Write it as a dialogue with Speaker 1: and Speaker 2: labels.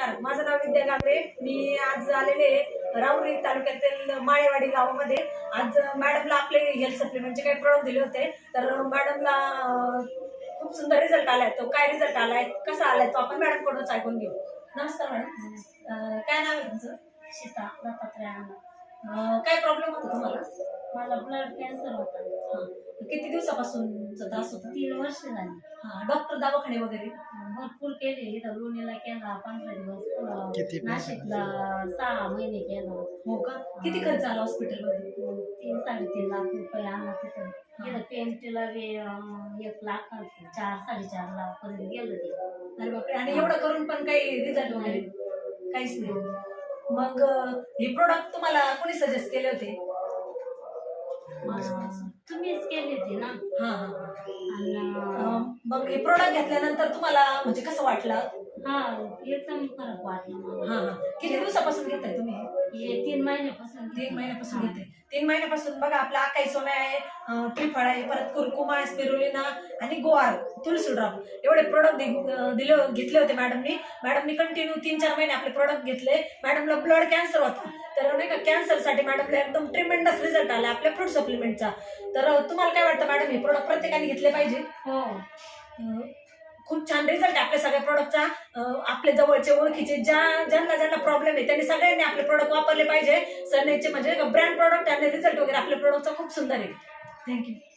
Speaker 1: नमस्कार, माझं नाव विद्या गांगरे. मी आज आलेले राऊरी तालुक्यातील माळेवाडी गावामध्ये. आज मॅडमला आपले हेल्थ सप्लिमेंटचे काही प्रोडक्ट दिले होते. तर मॅडमला खूप सुंदर रिझल्ट आलाय. तो काय रिझल्ट आलाय, कसा आलाय, तो आपण मॅडमकडूनच ऐकून घेऊ. नमस्कार मॅडम. काय नाव आहे तुमचं?
Speaker 2: सीता दत्तात्रय.
Speaker 1: काय प्रॉब्लेम होता तुम्हाला?
Speaker 2: मला ब्लड कॅन्सर होता.
Speaker 1: किती दिवसापासूनचा त्रास होता?
Speaker 2: 3 वर्ष झाली.
Speaker 1: डॉक्टर दवाखाने वगैरे
Speaker 2: भरपूर केले. इथं लोणीला केला 15 दिवस, नाशिकला 6 महिने केला.
Speaker 1: हो का? किती खर्च आला हॉस्पिटलमध्ये?
Speaker 2: 3-3.5 लाख रुपये आला तिथं. इथं पेंटीला 1 लाख 4-4.5 लाख पर्यंत गेलं ते.
Speaker 1: अरे बापरे. आणि एवढं करून पण काही रिझल्ट वगैरे काहीच नाही. मग हे प्रोडक्ट तुम्हाला कोणी सजेस्ट केले होते?
Speaker 2: तुम्हीच केली होती ना.
Speaker 1: मग हे प्रोडक्ट घेतल्यानंतर तुम्हाला म्हणजे कसं वाटलं?
Speaker 2: एकदम फरक वाटला मला.
Speaker 1: किती दिवसापासून घेताय तुम्ही?
Speaker 2: हे 3 महिन्यापासून.
Speaker 1: 3 महिन्यापासून घेते. 3 महिन्यापासून बघा, आपला आकाई सोना आहे, त्रिफळ आहे, परत कुरकुमा, स्पिरुलिना आणि गोवार, तुळशी ड्रॉप एवढे प्रोडक्ट घेतले होते मॅडमनी कंटिन्यू 3-4 महिने आपले प्रोडक्ट घेतले. मॅडमला ब्लड कॅन्सर होता. तर नाही का, कॅन्सरसाठी मॅडमला एकदम ट्रिमेंडस रिझल्ट आला आपल्या फ्रूट सप्लिमेंटचा. तर तुम्हाला काय वाटतं मॅडम, हे प्रोडक्ट प्रत्येकाने घेतले पाहिजे?
Speaker 2: हो,
Speaker 1: खूप छान रिझल्ट आहे आपल्या सगळ्या प्रोडक्टचा. आपले जवळचे ओळखीचे ज्यांना प्रॉब्लेम आहे त्यांनी सगळ्यांनी आपले प्रोडक्ट वापरले पाहिजे. सनेचे म्हणजे ब्रँड प्रोडक्ट आणि रिझल्ट वगैरे आपल्या प्रोडक्टचा खूप सुंदर आहे. थँक्यू.